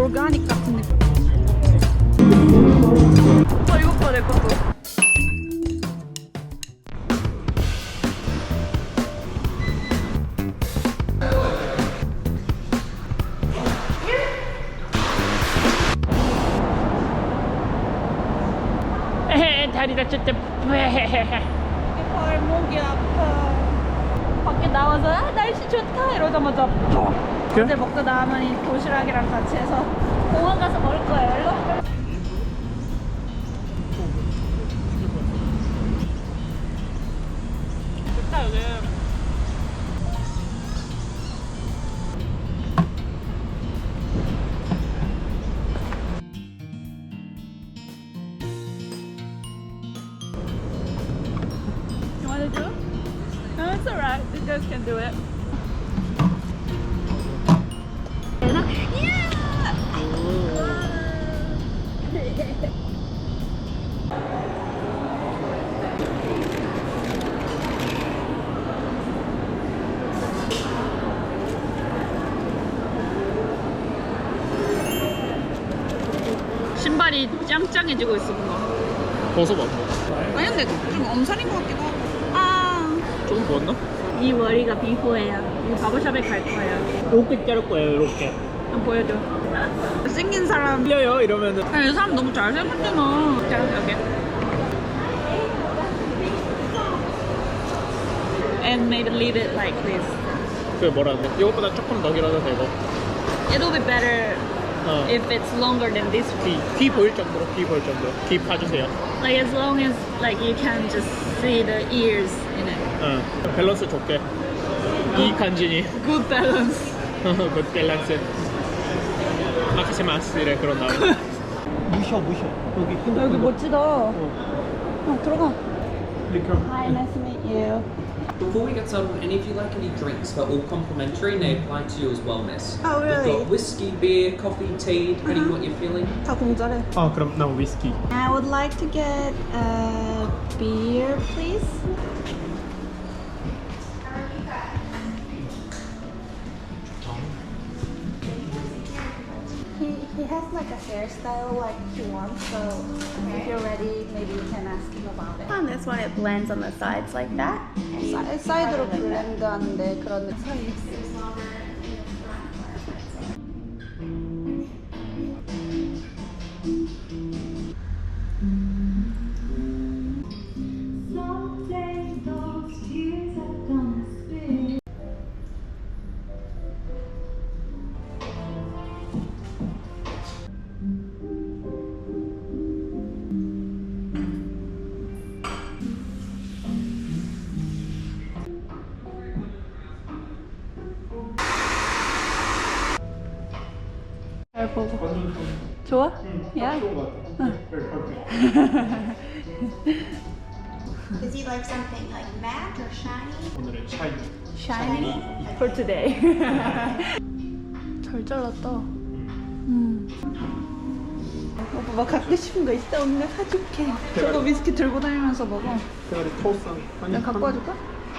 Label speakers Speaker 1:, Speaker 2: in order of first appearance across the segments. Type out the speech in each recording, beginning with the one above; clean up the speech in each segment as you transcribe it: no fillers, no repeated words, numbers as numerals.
Speaker 1: 오르가닉 같은 느낌. 이거 봐, 내 것도.
Speaker 2: 다리 다쳤다.
Speaker 1: 발목이 아파. 밖에 나와서 날씨 좋다 이러자마자 어제 먹고 나면 이 도시락이랑 같이 해서 공원 가서 먹을 거예요. 일로.
Speaker 2: 좋다 여기.
Speaker 1: You want to do? No, it's alright. You guys can do it.
Speaker 2: 신발이 짱짱해지고 있어 뭔가.
Speaker 3: 벗어봐.
Speaker 1: 아니 근데 좀 엄살인 것 같기도 하고. 아.
Speaker 3: 조금 부었나?
Speaker 1: 이 머리가 비포예요. 이 바버샵에 갈 거예요.
Speaker 3: 이렇게 자를 거예요. 이렇게.
Speaker 1: 한번 보여줘. 생긴 사람.
Speaker 3: 틀려요 이러면은.
Speaker 1: 아니, 이 사람 너무 잘생겼잖아. 자, 여기. And maybe leave it like this.
Speaker 3: 그게 뭐라는데? 이것보다 조금 더 길어도 되고.
Speaker 1: It'll be better if it's longer than this one.
Speaker 3: 귀 보일 정도로 귀 보일 정도로 귀 파주세요.
Speaker 1: Like as long as like you can just see the ears in it.
Speaker 3: 응. 밸런스 좋게. 이 간지니.
Speaker 1: Good balance.
Speaker 3: 그 밸런스. 마키시마스 이래 그런 나오. 무셔. 여기
Speaker 1: 여기 멋지다. 들어가.
Speaker 3: 리켜.
Speaker 1: Hi, nice to meet you.
Speaker 4: Before we get started, any of you like any drinks? They're all complimentary and they apply to you as well, miss.
Speaker 1: Oh, really?
Speaker 4: We've got whiskey, beer, coffee, tea, depending on what you're feeling.
Speaker 1: 다 공짜래.
Speaker 3: 그럼 나 위스키.
Speaker 1: I would like to get a beer, please. He has like a hairstyle like he wants, so if you're ready, maybe you can ask him about it.
Speaker 5: On this one, it blends on the sides like that.
Speaker 1: 사이드로 블렌드하는데 그런 사이. 잘 보고. 좋아? 야.
Speaker 5: Does he like something like matte or shiny?
Speaker 3: 오늘은 샤이.
Speaker 1: Shiny for today. 잘 잘랐다. 오빠 막 갖고 싶은 거 있어? 언니가 사줄게. 저거 위스키 들고 다니면서 먹어.
Speaker 3: 대가리 토스한.
Speaker 1: 내가 갖고 와줄까?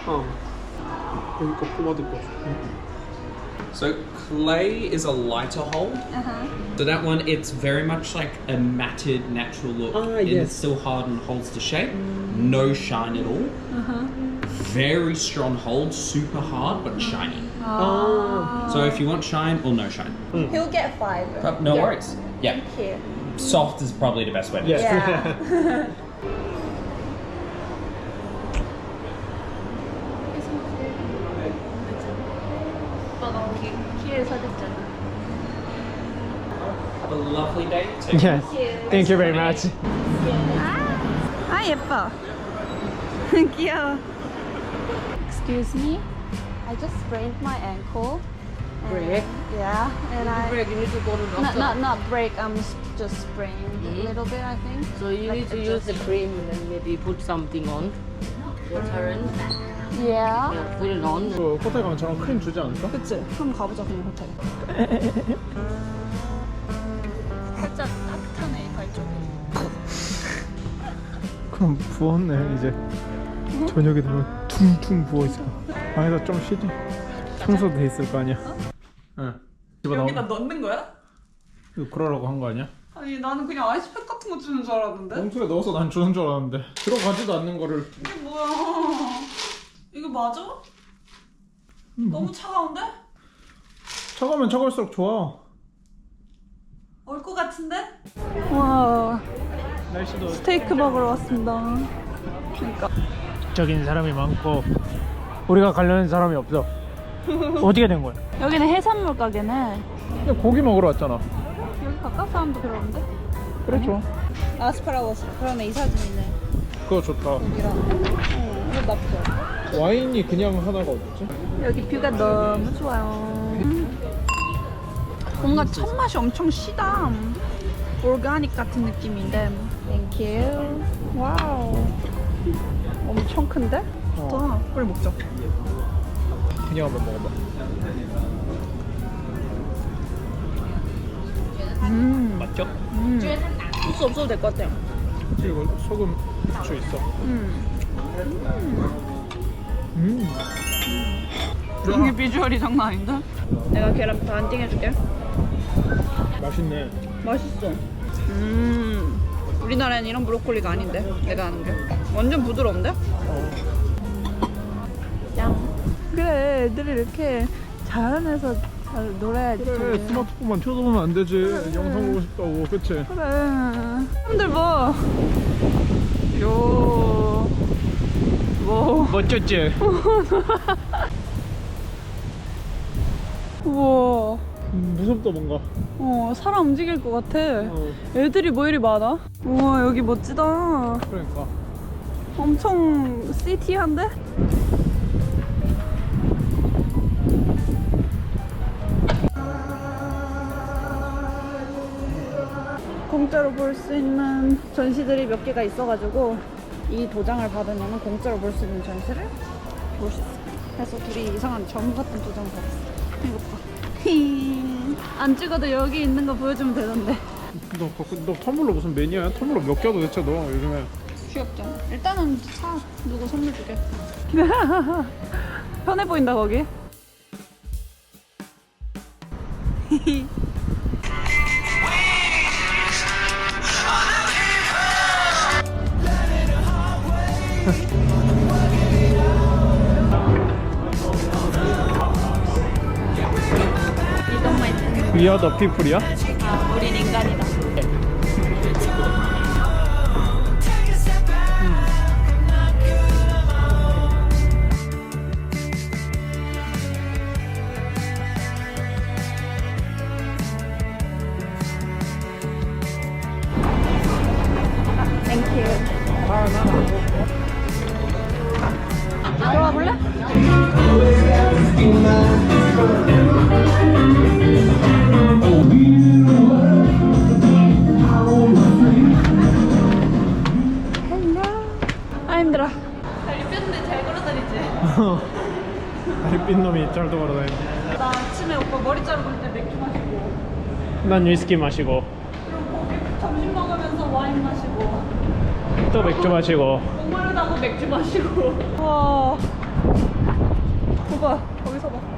Speaker 3: 여기 거 뽑아둘 거.
Speaker 4: So clay is a lighter hold. So that one, it's very much like a matted natural look. And
Speaker 3: yes.
Speaker 4: it's still hard and holds the shape. No shine at all. Very strong hold, super hard but shiny. So if you want shine or no shine.
Speaker 1: He'll get 5.
Speaker 4: No worries. Yeah.
Speaker 1: Here.
Speaker 4: Soft is probably the best way to do it.
Speaker 1: Yeah. 오빠가 키를 사줬잖아.
Speaker 4: Have a lovely day too.
Speaker 3: Yes. Thank you very much.
Speaker 1: 아 예뻐. 귀여워. Excuse me. I just sprained my ankle.
Speaker 6: Break?
Speaker 1: Yeah, and I
Speaker 6: Break, you need to go to doctor.
Speaker 1: not break. I'm just sprained a little bit, I think.
Speaker 6: So you
Speaker 1: Like
Speaker 6: need to use the cream and then maybe put something on. Water and
Speaker 1: Yeah.
Speaker 6: put it on.
Speaker 3: 그 호텔 가면 저런 크림 주지 않을까?
Speaker 1: 그치? 그럼 가보자 그냥 호텔. 살짝 따뜻하네 발 쪽이.
Speaker 3: 그럼 부었네 이제. 저녁에 되면 퉁퉁 부어있어. 방에서 좀 쉬지. 청소도 돼 있을 거 아니야. 응. 집어넣어.
Speaker 1: 여기다 넣는 거야?
Speaker 3: 이거 그러라고 한 거 아니야?
Speaker 1: 아니 나는 그냥 아이스팩 같은 거 주는 줄 알았는데.
Speaker 3: 봉투에 넣어서 난 주는 줄 알았는데 들어가지도 않는 거를.
Speaker 1: 이게 뭐야? 이거 맞아? 너무 차가운데?
Speaker 3: 차가우면 차가울수록 좋아.
Speaker 1: 올 것 같은데? 와,
Speaker 3: 날씨도
Speaker 1: 스테이크 먹으러 왔습니다. 그러니까
Speaker 3: 적인 사람이 많고 우리가 가려는 사람이 없어. 어떻게 된 거야?
Speaker 1: 여기는 해산물 가게네.
Speaker 3: 근데 고기 먹으러 왔잖아.
Speaker 1: 여기 가까운 사람도 그러는데?
Speaker 3: 그렇죠.
Speaker 1: 아스파라거스. 그러네, 이 사진이네.
Speaker 3: 그거 좋다.
Speaker 1: 여기랑. 이거 나쁘지 않아.
Speaker 3: 와인이 그냥 하나가 어딨지?
Speaker 1: 여기 뷰가 너무 좋아요. 뭔가 첫 맛이 엄청 시다. 오르가닉 같은 느낌인데. 땡큐. 와우. 엄청 큰데? 좋다. 빨리 먹자.
Speaker 3: 그냥 한번 먹어봐. 맞죠?
Speaker 1: 소스 없어도 될 것 같아요.
Speaker 3: 그치, 이거 소금 후추 있어.
Speaker 1: 여기 비주얼이 장난 아닌데? 내가 계란부터 한 띵 해줄게.
Speaker 3: 맛있네.
Speaker 1: 맛있어. 우리나라엔 이런 브로콜리가 아닌데 내가 아는 게 완전 부드러운데? 짱. 그래, 애들이 이렇게 자연에서 잘 놀아야지.
Speaker 3: 그래, 스마트폰만 쳐다보면 안 되지. 영상 보고 싶다고, 그치?
Speaker 1: 그래. 사람들 봐. 요. 뭐.
Speaker 3: 멋졌지?
Speaker 1: 우와.
Speaker 3: 무섭다 뭔가.
Speaker 1: 사람 움직일 것 같아.
Speaker 3: 어.
Speaker 1: 애들이 뭐 이리 많아? 우와, 여기 멋지다.
Speaker 3: 그러니까.
Speaker 1: 엄청 시티한데? 공짜로 볼 수 있는 전시들이 몇 개가 있어가지고 이 도장을 받으면 공짜로 볼 수 있는 전시를 볼 수 있어. 그래서 둘이 이상한 점 같은 도장을 받았어. 이거 봐. 안 찍어도 여기 있는 거 보여주면 되던데.
Speaker 3: 너 텀블러 무슨 매니아야? 텀블러 몇 개야 도대체 너 요즘에?
Speaker 1: 귀엽잖아. 일단은 사. 누구 선물 주게. 편해 보인다 거기.
Speaker 3: We are the people이야?
Speaker 1: 아, 우린 인간이다. 땡큐. 들어가 볼래? 아 힘들어. 다리 뺐는데 잘 걸어다니지?
Speaker 3: 다리 삔 놈이 잘 돌아다니네.
Speaker 1: 나 아침에 오빠 머리 자르고 올 때 맥주 마시고,
Speaker 3: 난 위스키 마시고
Speaker 1: 그리고 거기 점심 먹으면서 와인 마시고,
Speaker 3: 또 맥주 마시고.
Speaker 1: 목마르다고 맥주 마시고. 와. 오빠 거기서 봐.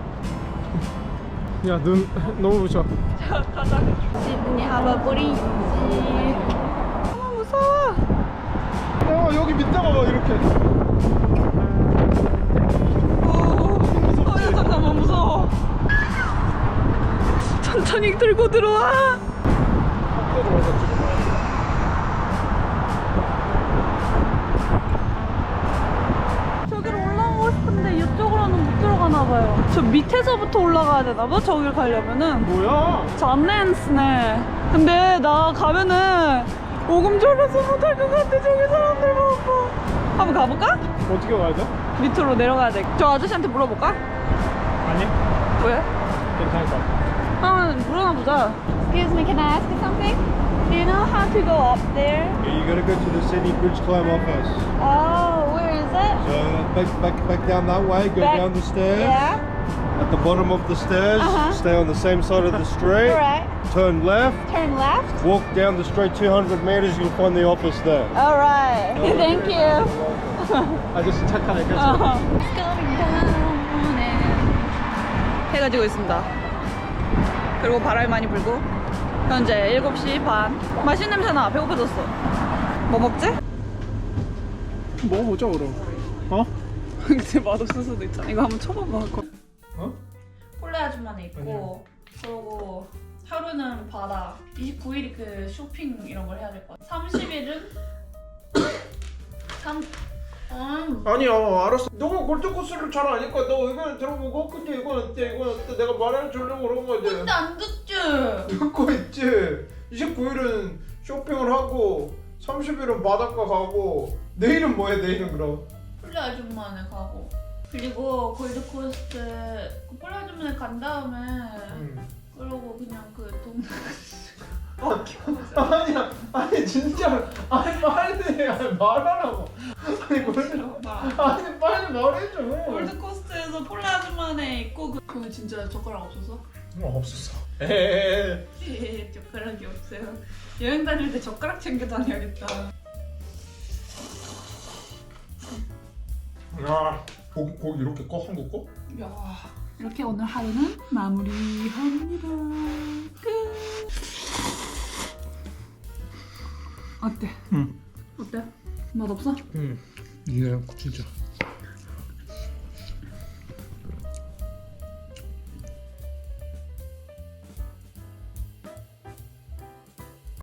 Speaker 3: 야, 눈 너무 부셔.
Speaker 1: 자, 가자. 시드니 하버 브리지. 너무 무서워.
Speaker 3: 여기 밑에 봐봐 이렇게.
Speaker 1: 야, 잠깐만 무서워. 천천히 들고 들어와. 저기로 올라가고 싶은데 이쪽으로는 못 들어가나 봐요. 저 밑에서부터 올라가야 되나 봐. 저길 가려면은.
Speaker 3: 뭐야?
Speaker 1: 잔넨스네. 근데 나 가면은 오금 졸려서 못할 것 같아. 저기 사람들 보고. 한번 가볼까?
Speaker 3: 어떻게 가야 돼?
Speaker 1: 밑으로 내려가야 돼. 저 아저씨한테 물어볼까?
Speaker 3: 아니,
Speaker 1: 왜?
Speaker 3: 괜찮을 것 같아.
Speaker 1: 한번 물어보자. Excuse me, can I ask you something? Do you know how to go up there?
Speaker 7: Yeah, you gotta go to the city bridge climb up first.
Speaker 1: Oh, where is it?
Speaker 7: So back down that way, go
Speaker 1: Back-
Speaker 7: down the stairs.
Speaker 1: Yeah.
Speaker 7: At the bottom of the stairs, stay on the same side of the street.
Speaker 1: Alright.
Speaker 7: Turn left,
Speaker 1: Turn left.
Speaker 7: walk down the street 200 meters, you'll find the office there.
Speaker 1: Alright. Thank you.
Speaker 3: 아저씨 착하네.
Speaker 1: 해가 지고 있습니다. 그리고 바람이 많이 불고 현재 7시 반. 맛있는 냄새나. 배고파졌어. 뭐 먹지?
Speaker 3: 먹어보자 그럼. 어?
Speaker 1: 근데 맛없을 수도 있잖아. 이거 한번 쳐봐봐.
Speaker 3: 어?
Speaker 1: 폴레 아줌마는 있고, 그리고 하루는 바다. 29일이 그 쇼핑 이런 걸 해야 될 것 같아. 30일은
Speaker 3: 아니야 알았어. 너가 골드코스를 잘 아니까 너 이거는 들어보고 근데 이건 어때 이건 어때 내가 말해주려고 그런 거지.
Speaker 1: 근데 안 듣지?
Speaker 3: 듣고 있지. 29일은 쇼핑을 하고 30일은 바닷가 가고 내일은 뭐해 내일은 그럼?
Speaker 1: 폴레 아줌마네 가고. 그리고 골드코스트 그 폴레 아줌마네 간 다음에 그러고 그냥 그 동네
Speaker 3: 아니야 아니 진짜 아니 빨리 아니 말하라고. 아니 아니 빨리 말해줘.
Speaker 1: 골드코스트에서 폴레 아줌마네 있고 그거 진짜 젓가락 없었어?
Speaker 3: 없었어. 에에에.
Speaker 1: 예, 젓가락이 없어요. 여행 다닐 때 젓가락 챙겨 다녀야겠다.
Speaker 3: 야 고기 이렇게 꺼 한국 거?
Speaker 1: 야, 이렇게 오늘 하루는 마무리합니다. 끝. 어때?
Speaker 3: 응.
Speaker 1: 어때? 맛없어?
Speaker 3: 응. 이게 진짜